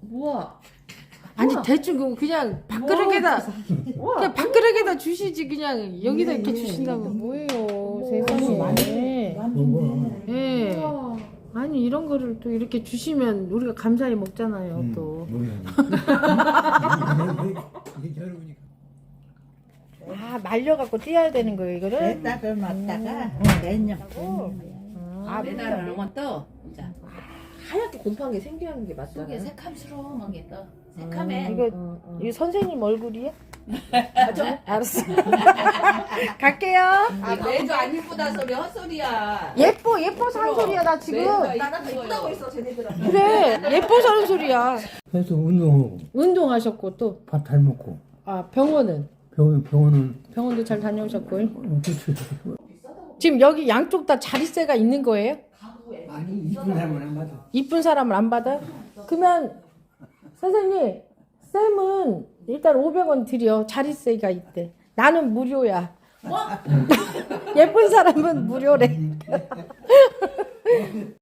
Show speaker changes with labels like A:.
A: 우와.
B: 아니
A: 우와.
B: 대충 그냥 밥그릇에다 그냥 밥그릇에다 주시지 그냥 여기다 이렇게 주신다면 뭐예요 세상에. 예.
A: 우와.
B: 아니 이런 거를 또 이렇게 주시면 우리가 감사히 먹잖아요 또. 아 말려갖고 띄어야 되는 거예요 이거를?
C: 딱을 맞다가 내년.
B: 아
A: 매달을 넘어 떠. 자,
B: 하얗게 곰팡이 게 생기는 게 맞잖아.
A: 속에 새캄스러운 게 떠. 새카매.
B: 이거 선생님 얼굴이야? 알았어. 갈게요.
A: 아, 매주 안 이쁘다 소리 헛소리야.
B: 예뻐서 한 소리야 나 지금.
A: 나는 이쁘다고 했어 쟤네들은.
B: 그래 예뻐서 하는 소리야.
D: 해서 운동하고
B: 운동하셨고 또.
D: 밥 잘 먹고
B: 아 병원은?
D: 병원은
B: 병원도 잘 다녀오셨고.
D: 그렇지.
B: 지금 여기 양쪽 다 자릿세가 있는 거예요?
D: 아니 이쁜 사람은 안 받아.
B: 이쁜 사람을 안 받아요? 그러면 선생님 쌤은 일단 500원 드려. 자릿세가 있대. 나는 무료야. 예쁜 사람은 무료래.